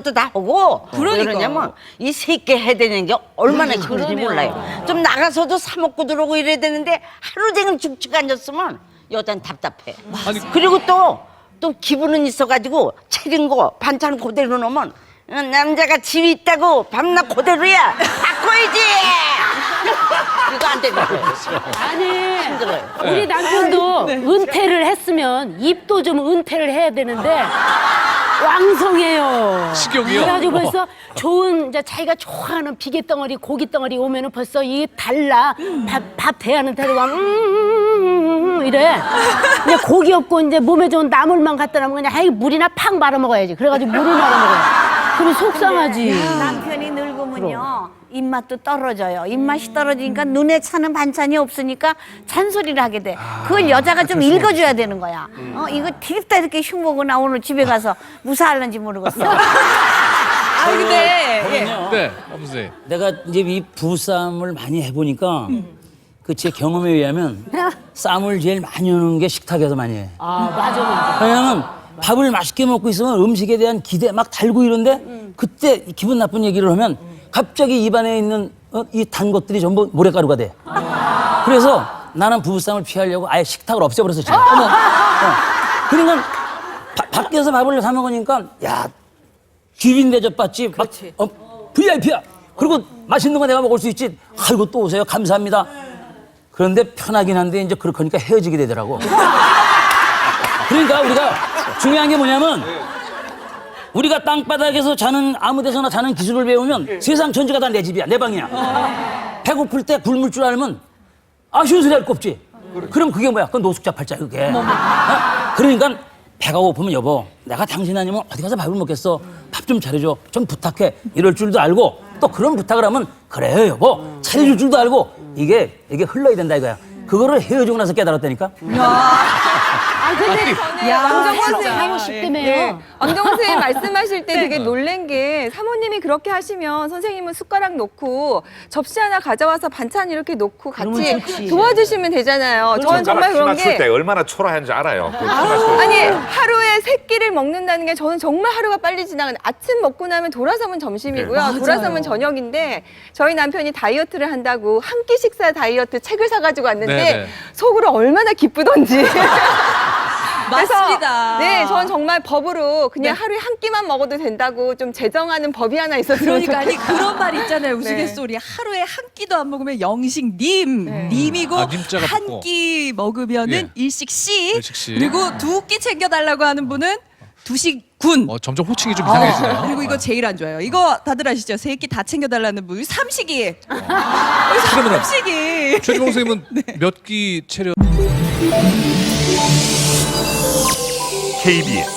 것도 다 하고 그러니까. 그러냐면 이 새끼 해야 되는 게 얼마나 힘든지 몰라요. 좀 나가서도 사 먹고 들어오고 이래야 되는데 하루 종일 죽죽 앉았으면 여자는 답답해. 아니, 그리고 또 기분은 있어가지고 차린 거 반찬 그대로 넣으면 남자가 집이 있다고 밤낮 그대로야 바꿔야지. 이거 안 되는 거예요. 아니, 힘들어요. 우리 남편도 은퇴를 했으면 입도 좀 은퇴를 해야 되는데 왕성해요. 식욕이요? 그래가지고 벌써 좋은 이제 자기가 좋아하는 비계 덩어리, 고기 덩어리 오면은 벌써 이게 달라. 밥 대하는 태도가 이래. 이제 고기 없고 이제 몸에 좋은 나물만 갖다 놓으면 그냥 아이 물이나 팍 말아 먹어야지. 그래가지고 물을 말아 먹어요. 그럼 속상하지. 남편이 늙으면요 입맛도 떨어져요. 입맛이 떨어지니까 눈에 차는 반찬이 없으니까 잔소리를 하게 돼. 그걸 여자가 좀 읽어줘야 되는 거야. 이거 디립다 이렇게 흉보고 나 오늘 집에 가서 무사할는지 모르겠어. 아 근데 네, 선생님. 내가 이제 이 부부싸움을 많이 해보니까 그 제 경험에 의하면 쌈을 제일 많이 하는 게 식탁에서 많이 해. 아, 맞아. 왜냐면 밥을 맛있게 먹고 있으면 음식에 대한 기대 막 달고 이런데 그때 기분 나쁜 얘기를 하면 갑자기 입안에 있는 이 단 것들이 전부 모래가루가 돼. 그래서 나는 부부싸움을 피하려고 아예 식탁을 없애버렸어 지금. 그러니까 밖에서 밥을 사 먹으니까 야 귀빈 대접 받지 막 VIP야. 그리고 맛있는 거 내가 먹을 수 있지. 아이고 또 오세요 감사합니다. 그런데 편하긴 한데 이제 그렇게 하니까 헤어지게 되더라고. 그러니까 우리가 중요한 게 뭐냐면 우리가 땅바닥에서 자는 아무 데서나 자는 기술을 배우면 세상 전체가 다 내 집이야 내 방이야. 배고플 때 굶을 줄 알면 아쉬운 소리 할 거 없지. 그럼 그게 뭐야? 그건 노숙자 팔자 그게. 그러니까 배가 고프면 여보 내가 당신 아니면 어디 가서 밥을 먹겠어. 밥 좀 차려줘. 좀 부탁해. 이럴 줄도 알고 또 그런 부탁을 하면 그래요 여보 차려줄 줄도 알고 이게 흘러야 된다 이거야. 그거를 헤어지고 나서 깨달았다니까. 아, 근데 왕정원 하고 선생님 싶다며요. 왕정원 선생님 말씀하실 때 되게 놀란 게 사모님이 그렇게 하시면 선생님은 숟가락 놓고 접시 하나 가져와서 반찬 이렇게 놓고 같이 도와주시면 되잖아요. 저는 정말 그런 맞출 때 게 얼마나 초라한지 알아요. 그 맞출 때. 아니 하루에 3끼를 먹는다는 게 저는 정말 하루가 빨리 지나가는 아침 먹고 나면 돌아서면 점심이고요. 돌아서면 저녁인데 저희 남편이 다이어트를 한다고 한 끼 식사 다이어트 책을 사가지고 왔는데 네네. 속으로 얼마나 기쁘던지. 맞습니다. 네, 전 정말 법으로 그냥 하루에 한 끼만 먹어도 된다고 좀 제정하는 법이 하나 있었으면 그러니까 아니 좋겠어요. 그런 말 있잖아요. 네. 우스갯소리. 하루에 한 끼도 안 먹으면 영식 님이고 아, 님자가 한 붙고. 끼 먹으면은 예. 일식 씨. 일식 씨. 그리고 2끼 챙겨달라고 하는 분은 두식 군. 점점 호칭이 좀 이상해지네요. 그리고 이거 제일 안 좋아요. 이거 다들 아시죠? 3끼 다 챙겨달라는 분. 삼식이. 그러면은 삼식이. 최주봉 선생님은 몇 끼 체력? KBS